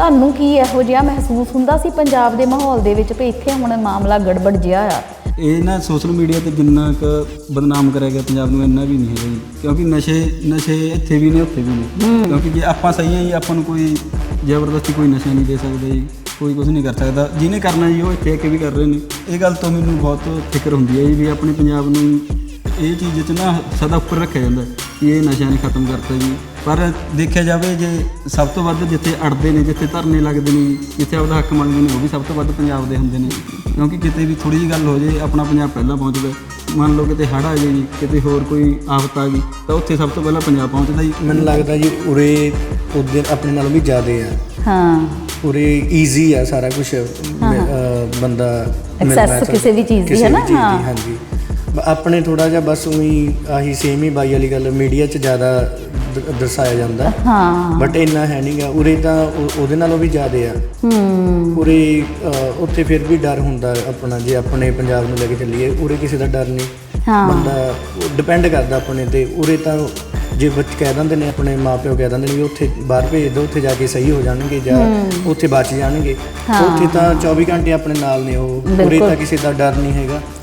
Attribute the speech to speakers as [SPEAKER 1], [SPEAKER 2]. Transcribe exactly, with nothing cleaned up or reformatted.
[SPEAKER 1] ਤੁਹਾਨੂੰ ਕੀ ਇਹੋ ਜਿਹਾ ਮਹਿਸੂਸ ਹੁੰਦਾ ਸੀ ਪੰਜਾਬ ਦੇ ਮਾਹੌਲ ਦੇ ਵਿੱਚ ਵੀ ਇੱਥੇ ਹੁਣ ਮਾਮਲਾ ਗੜਬੜ ਜਿਹਾ ਆ?
[SPEAKER 2] ਇਹ ਨਾ ਸੋਸ਼ਲ ਮੀਡੀਆ 'ਤੇ ਜਿੰਨਾ ਕੁ ਬਦਨਾਮ ਕਰਿਆ ਗਿਆ ਪੰਜਾਬ ਨੂੰ, ਇੰਨਾ ਵੀ ਨਹੀਂ ਹੈਗਾ ਜੀ। ਕਿਉਂਕਿ ਨਸ਼ੇ ਨਸ਼ੇ ਇੱਥੇ ਵੀ ਨੇ ਉੱਥੇ ਵੀ ਨੇ। ਕਿਉਂਕਿ ਜੇ ਆਪਾਂ ਸਹੀ ਹਾਂ ਜੀ, ਆਪਾਂ ਨੂੰ ਕੋਈ ਜ਼ਬਰਦਸਤੀ ਕੋਈ ਨਸ਼ਾ ਨਹੀਂ ਦੇ ਸਕਦਾ ਜੀ, ਕੋਈ ਕੁਝ ਨਹੀਂ ਕਰ ਸਕਦਾ। ਜਿਹਨੇ ਕਰਨਾ ਜੀ ਉਹ ਇੱਥੇ ਆ ਕੇ ਵੀ ਕਰ ਰਹੇ ਨੇ। ਇਹ ਗੱਲ ਤੋਂ ਮੈਨੂੰ ਬਹੁਤ ਫਿਕਰ ਹੁੰਦੀ ਹੈ ਜੀ ਵੀ ਆਪਣੇ ਪੰਜਾਬ ਨੂੰ ਇਹ ਚੀਜ਼ 'ਚ ਨਾ ਸਦਾ ਉੱਪਰ ਰੱਖਿਆ ਜਾਂਦਾ ਕਿ ਇਹ ਨਸ਼ਾ ਨੇ ਖਤਮ ਕਰਤਾ ਜੀ। ਪਰ ਦੇਖਿਆ ਜਾਵੇ ਜੇ ਸਭ ਤੋਂ ਵੱਧ ਜਿੱਥੇ ਅੜਦੇ ਨੇ, ਜਿੱਥੇ ਧਰਨੇ ਲੱਗਦੇ ਨੇ, ਜਿੱਥੇ ਆਪਦਾ ਹੱਕ ਮੰਗਦੇ ਨੇ, ਉਹ ਵੀ ਸਭ ਤੋਂ ਵੱਧ ਪੰਜਾਬ ਦੇ ਹੁੰਦੇ ਨੇ। ਕਿਉਂਕਿ ਕਿਤੇ ਵੀ ਥੋੜ੍ਹੀ ਜਿਹੀ ਗੱਲ ਹੋ ਜੇ ਆਪਣਾ ਪੰਜਾਬ ਪਹਿਲਾਂ ਪਹੁੰਚਦਾ। ਮੰਨ ਲਓ ਕਿਤੇ ਹੜ੍ਹ ਆ ਜਾਏ ਜੀ, ਕਿਤੇ ਹੋਰ ਕੋਈ ਆਫਤ ਆ ਗਈ ਤਾਂ ਉੱਥੇ ਸਭ ਤੋਂ ਪਹਿਲਾਂ ਪੰਜਾਬ ਪਹੁੰਚਦਾ ਜੀ।
[SPEAKER 3] ਮੈਨੂੰ ਲੱਗਦਾ ਜੀ ਉਰੇ ਉਹਦੇ ਆਪਣੇ ਨਾਲੋਂ ਵੀ ਜ਼ਿਆਦਾ ਆ।
[SPEAKER 1] ਹਾਂ,
[SPEAKER 3] ਉਰੇ ਈਜ਼ੀ ਆ ਸਾਰਾ ਕੁਝ, ਬੰਦਾ
[SPEAKER 1] ਐਕਸੈਸ ਕਿਸੇ ਵੀ ਚੀਜ਼ ਦੀ ਹੈ ਨਾ। ਹਾਂ
[SPEAKER 3] ਹਾਂਜੀ, ਆਪਣੇ ਥੋੜ੍ਹਾ ਜਿਹਾ ਬਸ ਉਹੀ ਆਹੀ ਸੇਮ ਹੀ ਬਾਈ ਵਾਲੀ ਗੱਲ ਮੀਡੀਆ 'ਚ ਜ਼ਿਆਦਾ ਦ- ਦਰਸਾਇਆ ਜਾਂਦਾ।
[SPEAKER 1] ਹਾਂ,
[SPEAKER 3] ਬਟ ਇੰਨਾ ਹੈ ਨਹੀਂ ਗਾ ਉਰੇ ਤਾਂ ਉਹ- ਉਹਦੇ ਨਾਲੋਂ ਵੀ ਜ਼ਿਆਦਾ ਆ।
[SPEAKER 1] ਹੂੰ,
[SPEAKER 3] ਉਰੇ ਅ, ਉੱਥੇ ਫਿਰ ਵੀ ਡਰ ਹੁੰਦਾ ਆਪਣਾ, ਜੇ ਆਪਣੇ ਪੰਜਾਬ ਨੂੰ ਲੈ ਕੇ ਚੱਲੀਏ ਉਰੇ ਕਿਸੇ ਦਾ ਡਰ ਨਹੀਂ।
[SPEAKER 1] ਹਾਂ,
[SPEAKER 3] ਬੰਦਾ ਡਿਪੈਂਡ ਕਰਦਾ ਆਪਣੇ ਤੇ। ਉਰੇ ਤਾਂ ਜੇ ਬੱਚੇ ਕਹਿ ਦਿੰਦੇ ਨੇ, ਆਪਣੇ ਮਾਂ ਪਿਓ ਕਹਿ ਦਿੰਦੇ ਨੇ ਵੀ ਉੱਥੇ ਬਾਹਰ ਭੇਜ ਦਿਓ, ਉੱਥੇ ਜਾ ਕੇ ਸਹੀ ਹੋ ਜਾਣਗੇ ਜਾਂ ਉੱਥੇ ਬਚ ਜਾਣਗੇ। ਉੱਥੇ ਤਾਂ ਚੌਵੀ ਘੰਟੇ ਆਪਣੇ ਨਾਲ ਨੇ ਉਹ। ਉਰੇ ਤਾਂ ਕਿਸੇ ਦਾ ਡਰ ਨਹੀਂ ਹੈਗਾ।